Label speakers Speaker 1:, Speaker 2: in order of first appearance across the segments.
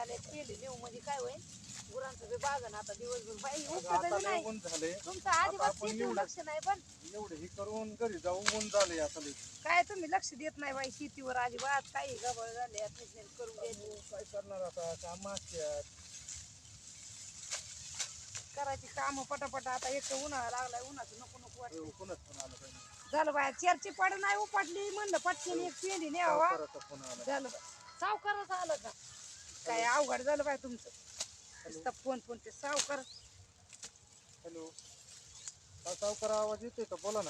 Speaker 1: आले केली नेऊ म्हणजे काय होईल गुरांचं बी बागन आता दिवसभर बाई उपटत नाही तुमचं अजिबात शेतीवर लक्ष नाही पण
Speaker 2: एवढे हे करून घरी जाऊ ऊन झाले आता
Speaker 1: काय तुम्ही लक्ष देत नाही बाई शेतीवर अजिबात काही गबळ झाले करून द्यायचं
Speaker 2: काय करणार आता काम असतात
Speaker 1: करायची काम पटापट आता एक उन्हाळा लागलाय उन्हाचं नको नको वाटतं
Speaker 2: कोणच फोन आला काही नाही.
Speaker 1: झालं बाया चेरची पड नाही उपटली म्हणलं पटकन एक पेंडी न्यावा
Speaker 2: सावकाराचा फोन आला
Speaker 1: झालं सावकारच आलं का काय अवघड झालं बाय तुमचं नुसतं फोन फोन ते सावकार
Speaker 2: हॅलो हा सावकार आवाज येतोय का बोला ना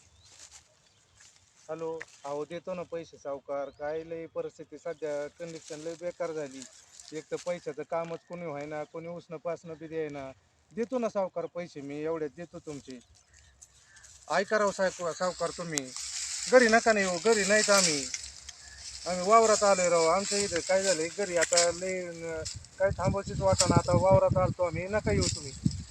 Speaker 2: हॅलो अहो देतो ना पैसे सावकार काय लय परिस्थिती सध्या कंडिशन लय बेकार झाली एक तर पैशाचं कामच कोणी व्हायना कोणी उसणं पासणं बी द्यायना देतो ना सावकार पैसे मी एवढ्यात देतो तुमचे ऐका राव सावकार तुम्ही घरी नका नाही येऊ घरी नाहीत आम्ही वावरात आलोय राव आमच्या इथं काय झालंय घरी आता लय काय थांबायचीच वाटा ना आता वावरात आलतो आम्ही नका येऊ तुम्ही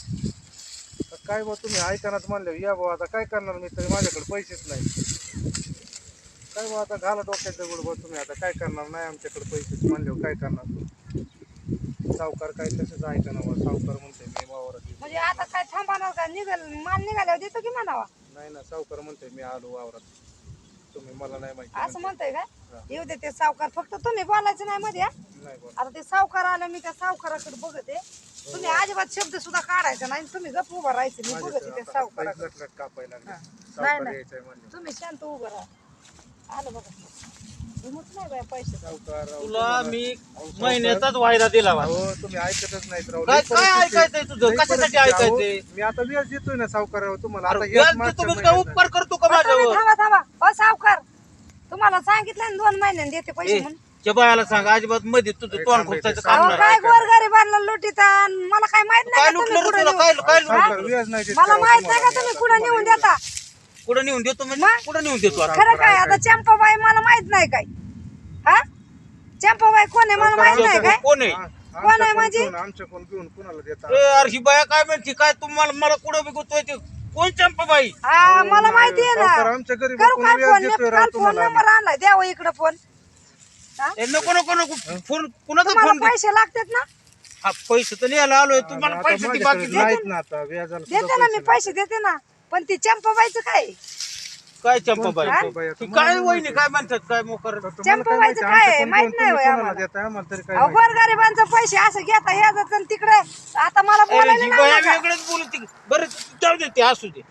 Speaker 2: काय बा तुम्ही ऐकणार म्हणलं या भाऊ आता काय करणार मी तरी माझ्याकडे पैसेच नाही काय बा आता घाला डोक्यात दगड बा तुम्ही आता काय करणार नाही आमच्याकडे पैसेच म्हणल्यावर काय करणार सावकार काय तसंच ऐकणार बा सावकार म्हणते मी वावरात
Speaker 1: म्हणजे आता काय थांबणार का निघाल माल निघाल्यावर देतो की म्हणावा
Speaker 2: नाही ना सावकार म्हणते मी आलो वावरात तुम्ही मला नाही माहिती
Speaker 1: असं म्हणताय काय येऊ दे ते सावकार फक्त तुम्ही बोलायचं नाही मध्ये
Speaker 2: नाही बोल
Speaker 1: आता ते सावकार आलं मी त्या सावकाराकडे बघते तुम्ही अजिबात शब्द सुद्धा काढायचा नाही तुम्ही गप उभं राहायचं मी बघते त्या सावकाराकडे
Speaker 2: कापायला लागले
Speaker 1: नाही
Speaker 2: सावकार
Speaker 1: नाही
Speaker 2: यायचंय म्हणले
Speaker 1: तुम्ही शांत उभं राहा आलं बघा हिंमत नाही बाय पैसे
Speaker 2: सावकार
Speaker 3: तुला मी महिन्याचाच वायदा दिला होता.
Speaker 2: हो तुम्ही ऐकतच नाहीत राव
Speaker 3: काय
Speaker 2: लई
Speaker 3: काय
Speaker 2: परिस्थिती-
Speaker 3: ऐकायचंय तुझं
Speaker 2: लई
Speaker 3: कशासाठी
Speaker 2: परिस्थिती. अहो,
Speaker 3: ऐकायचंय
Speaker 2: मी आता व्याज देतोय ना सावकारावर तुम्हाला आता
Speaker 3: अरे
Speaker 2: व्याज
Speaker 3: व्याज
Speaker 2: मागच्या
Speaker 3: देतो मी काय
Speaker 2: महिन्यात
Speaker 3: उपकार करतो का
Speaker 1: तुम्ही
Speaker 3: माझ्यावर
Speaker 1: थांबा थांबा सावकार तुम्हाला सांगितलं ना 2 महिन्यांनी देते पैसे
Speaker 3: ए,
Speaker 1: म्हणून
Speaker 3: त्या बायाला सांग अजिबात मध्ये तुझं तोंड खुपसायचं काम
Speaker 1: अहो
Speaker 3: नाही.
Speaker 1: काय गोरगरिबांना लुटीता मला काय माहित
Speaker 3: काय
Speaker 1: नाही का
Speaker 3: लुटलं
Speaker 1: तुम्ही
Speaker 3: रे
Speaker 1: कुठं
Speaker 3: तुला
Speaker 1: नेऊन-
Speaker 3: काय काय
Speaker 2: सावकार
Speaker 3: लुटलं
Speaker 2: व्याज नाही देत
Speaker 1: मला
Speaker 2: राव
Speaker 1: माहित नाही का
Speaker 2: तुम्हाला.
Speaker 1: तुम्ही कुठं नेऊन देता
Speaker 3: कुठं नेऊन देतो म्हणजे
Speaker 1: मग?
Speaker 3: कुठं नेऊन देतो आता?
Speaker 1: खरं काय आता चंपाबाई मला माहित नाही काय हा चंपाबाई कोण आहे मला माहित नाही काय
Speaker 3: कोण आहे
Speaker 2: हा,
Speaker 1: कोण आहे
Speaker 2: आमच्या
Speaker 1: म्हणजे?
Speaker 2: कोण- आमच्या कोण घेऊन कुणाला देता
Speaker 3: ए, अरे ही बाया काय म्हणते काय तुम्हाला मला कुठं बी गुतवाय ते कोण चंपाबाई
Speaker 1: हा मला माहिती आहे
Speaker 2: सावकार
Speaker 1: ना
Speaker 2: आमच्या घरी
Speaker 1: करू
Speaker 2: बघून
Speaker 1: काय
Speaker 2: व्याज
Speaker 1: फोन
Speaker 2: देतोय राव
Speaker 1: काल फोन
Speaker 2: तुम्हाला
Speaker 1: नंबर आणलाय द्यावं इकडं फोन हा?
Speaker 3: ए, नको नको नको फोन कुणाचा
Speaker 1: तुम्हाला
Speaker 3: फोन
Speaker 1: पैसे लागतात ना
Speaker 3: हा पैसे तर न्यायला आलोय तुम्हाला
Speaker 2: आता
Speaker 3: पैसे
Speaker 2: माझ्याकडे
Speaker 3: बाकी दे.
Speaker 2: नाहीत ना आता व्याजाला सुद्धा
Speaker 1: देते ना मी
Speaker 2: नाही.
Speaker 1: पैसे देते ना पण ती चंपाबाईचं काय
Speaker 3: काय चंपाबाई
Speaker 2: चंपाबाई आता
Speaker 3: ती
Speaker 2: मला
Speaker 3: काय
Speaker 2: नाही
Speaker 3: वहिनी
Speaker 2: माहिती.
Speaker 3: काय म्हणतात काय मोकर
Speaker 2: तर तुम्हाला काय
Speaker 1: चंपाबाईचं
Speaker 2: माहिती,
Speaker 1: काय आहे?
Speaker 2: आमच्या
Speaker 1: माहित
Speaker 2: कोण
Speaker 1: नाही
Speaker 2: तुम्ही
Speaker 1: होय
Speaker 2: कोणाला
Speaker 1: आम्हाला.
Speaker 2: देताय आम्हाला तरी काय
Speaker 1: अहो
Speaker 2: माहिती.
Speaker 1: गोरगरिबांचे पैसे असं घेता याचं तिकडे आता मला
Speaker 3: अरे
Speaker 1: बोलायला
Speaker 3: ही
Speaker 1: लावलं
Speaker 3: बाया
Speaker 1: का?
Speaker 3: वेगळंच बोलते बरं जाऊ दे ते असू दे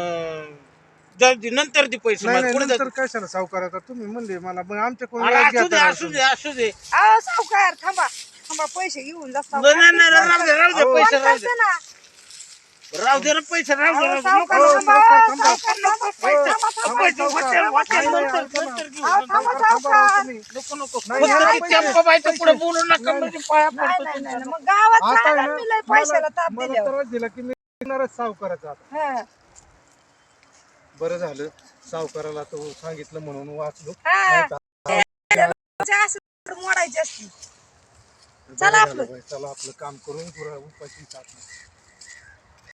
Speaker 3: जाऊ दे नंतर दे पैसे
Speaker 2: नाही
Speaker 3: मला
Speaker 2: नाही
Speaker 3: पुढे
Speaker 2: नंतर कशाला सावकार आता तुम्ही म्हणले मला मग आमच्या कोण
Speaker 3: अरे
Speaker 2: व्याज
Speaker 3: असू दे
Speaker 2: घेता
Speaker 3: असू दे असू दे
Speaker 1: अहो सावकार थांबा थांबा पैसे घेऊन जा
Speaker 3: नाही नाही नाही, राहू दे राहू दे
Speaker 2: अहो,
Speaker 3: पैसे
Speaker 1: फोन
Speaker 3: राहू दे
Speaker 1: करते ना
Speaker 3: राहू दे ना पैसे राहू दे
Speaker 1: अहो,
Speaker 3: राहू दे.
Speaker 1: सावकार
Speaker 3: नको,
Speaker 1: थांबा,
Speaker 2: सावकार,
Speaker 1: अहो,
Speaker 2: थांबा.
Speaker 1: सावकार थांबा, पैसे थांबा, थांबा.
Speaker 3: पैसे वाटेल, वाटेल,
Speaker 2: नाही,
Speaker 3: नंतर
Speaker 2: थांबा.
Speaker 3: नंतर घेऊ,
Speaker 1: अहो,
Speaker 3: नंतर.
Speaker 1: थांबा,
Speaker 2: सावकार, थांबा राव
Speaker 1: सावकार.
Speaker 2: तुम्ही.
Speaker 3: नको नको
Speaker 2: नाही,
Speaker 3: फक्त
Speaker 2: नाही,
Speaker 3: ती
Speaker 2: पैसे.
Speaker 3: चंपाबाईच्या पुढे
Speaker 2: पैसे.
Speaker 3: बोलू नका
Speaker 2: नाही,
Speaker 3: म्हणजे पाया
Speaker 1: नाही
Speaker 3: पडतो
Speaker 1: नाही नाही
Speaker 3: तुमच्या.
Speaker 1: मग गावात
Speaker 2: आता
Speaker 1: सांगा
Speaker 2: आहे ना,
Speaker 1: मी लय पैशाला ताप
Speaker 2: मला
Speaker 1: दिल्यावर
Speaker 2: त्रास दिला की मी येणारच सावकाराचा आता.
Speaker 1: हा.
Speaker 2: बरं झालं सावकाराला तो सांगितलं म्हणून वाचलो
Speaker 1: हा.
Speaker 2: नाहीतर
Speaker 1: असं मोडायची असती
Speaker 2: बरं
Speaker 1: चला
Speaker 2: झालं
Speaker 1: आपलं.
Speaker 2: बाई, चला आपलं काम करून पुरा उपाशी टाकलं